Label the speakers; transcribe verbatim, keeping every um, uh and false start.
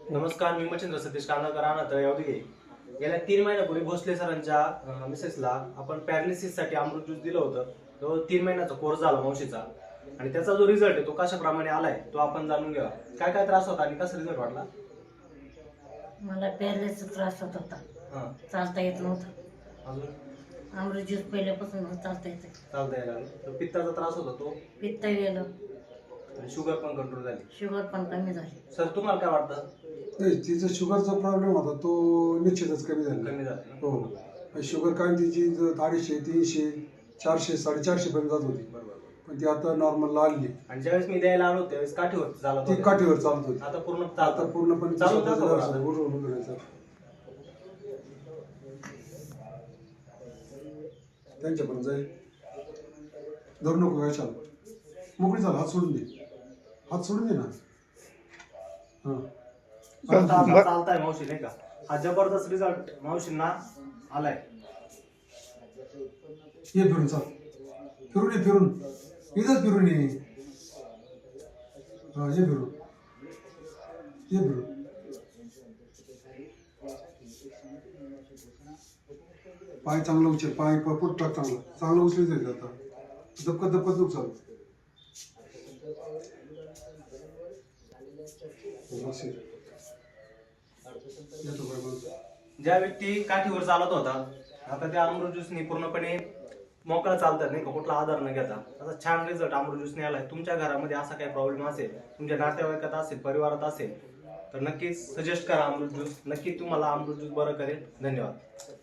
Speaker 1: नमस्कार, मी मच्छिंद्र सतीश कांदाकर राहणार यावदी. गेल्या तीन महिन्यापूर्वी भोसले सरांच्या मिसेसला आपण पॅरालिसिस साठी अमृत ज्यूस दिलं होतं. तो तीन महिन्याचा कोर्स झाला मावशीचा आणि त्याचा जो रिझल्ट आहे तो कशाप्रमाणे आलाय तो आपण जाणून घेऊया. काय काय त्रास होता आणि कसा रिझल्ट वाटला?
Speaker 2: मला पॅरालिसिस त्रास होत होता.
Speaker 1: हां,
Speaker 2: चालता येत नव्हतं.
Speaker 1: अजून
Speaker 2: अमृत ज्यूस पहिल्यापासून चालता येतं.
Speaker 1: चालता यायला लागलं. तो पित्ताचा त्रास होता तो
Speaker 2: पित्त गेलं,
Speaker 1: आणि शुगर पण कंट्रोल झाली.
Speaker 2: शुगर पण कमी झाली.
Speaker 1: सर, तुम्हाला काय वाटतं?
Speaker 3: नाही, तिचा शुगरचा प्रॉब्लेम होता तो निश्चितच कमी झाला.
Speaker 1: कमी झालं?
Speaker 3: हो, शुगर काय तिची ज- अडीचशे तीनशे चारशे साडेचारशे पर्यंत जात होती,
Speaker 1: बरोबर.
Speaker 3: पण ती आता नॉर्मलला आली.
Speaker 1: आणि ज्यावेळेस मी द्यायला आलो त्यावेळेस काठीवर झाला
Speaker 3: ती
Speaker 1: तो.
Speaker 3: काठीवर चालत होती.
Speaker 1: आता पूर्ण
Speaker 3: आता
Speaker 1: चालतं.
Speaker 3: पूर्णपणे
Speaker 1: चालू
Speaker 3: स्वतःचं
Speaker 1: दाखवा
Speaker 3: जरासं
Speaker 1: आता.
Speaker 3: उठून उभं राहायचं. त्यांच्यापर्यंत जाईल. धरू नको काय, चाल मोकळी चाल, हात सोडून दे, हात सोडून दे ना. हा,
Speaker 1: आता आता चालताय मावशी, नाही का? हा जबरदस्त रिझल्ट मावशींना आलाय.
Speaker 3: ये फिरून चाल, फिरून ये, फिरून इथंच फिरून ये. हा, ये फिरून ये फिरून पाय चांगला उचल, पाय पुट टाक, चांगला चांगला उचली जाईल. आता दपकत दपकत नको चालू. येतो बाय माणूस.
Speaker 1: ज्या व्यक्ती काठीवर चालत होता आता त्या अमृत ज्यूसनी पूर्णपणे मोकळा चालतात, नाही का? कुठला आधार न घेता असा छान रिझल्ट अमृत ज्यूसने आलाय. तुमच्या घरामध्ये असा काही प्रॉब्लेम असेल, तुमच्या नातेवाईकात असेल, परिवारात असेल, तर नक्कीच सजेस्ट करा अमृत ज्यूस. नक्की तुम्हाला अमृत ज्यूस बरं करेल. धन्यवाद.